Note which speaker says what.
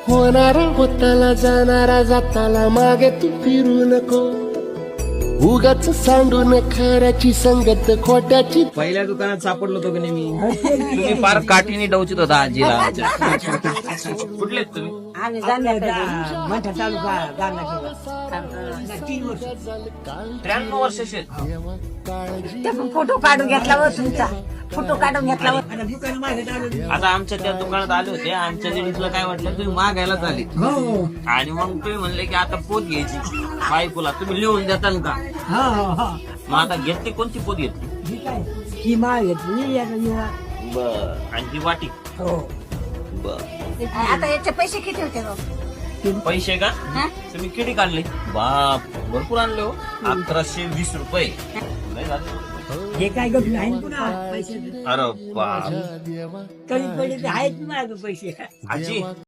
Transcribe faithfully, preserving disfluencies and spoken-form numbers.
Speaker 1: होणारा होताला जाणारा जाताला मागे तू फिरू नको उगाच सांडून खऱ्याची संगत खोट्याची.
Speaker 2: पहिल्या दुकानात सापडलो होतो की नाही मी.
Speaker 3: तुम्ही फार काठीने डवचित होता आजीला. कुठले आहेत तुम्ही?
Speaker 4: आम्ही जाणार मोठा तालुका जाणार तीन वर्ष
Speaker 3: त्र्याण्णव वर्षाचे.
Speaker 4: ते फोटो काढून घेतला व तुमचा फोटो काढून घेतला व
Speaker 2: दुकान मागे आलो.
Speaker 3: आता आमच्या त्या दुकानात आले होते. आमच्या लेडीजला काय वाटलं तुम्ही मागायलाच आले
Speaker 2: हो
Speaker 3: आणि मग तुम्ही म्हणले की आता पोत घ्यायची बायकोला. तुम्ही लिहून देताल का?
Speaker 2: हा हा
Speaker 3: मग आता घेतली कोणती पोत घेतली?
Speaker 2: ही काय ही माळ घेतली याला निवा.
Speaker 3: बर. आणि ती वाटी.
Speaker 2: हो
Speaker 3: बर.
Speaker 4: आता याचे पैसे किती होते गं?
Speaker 3: पैसे का तुम्ही किती काढले? बाप भरपूर आणले हो. अकराशे वीस रुपये नाही झाले?
Speaker 2: हे काय गप्प आहे ना पुन्हा पैसे
Speaker 3: अरे बाप.
Speaker 2: कमी पडले आहेत ना माझं पैसे.
Speaker 3: आजी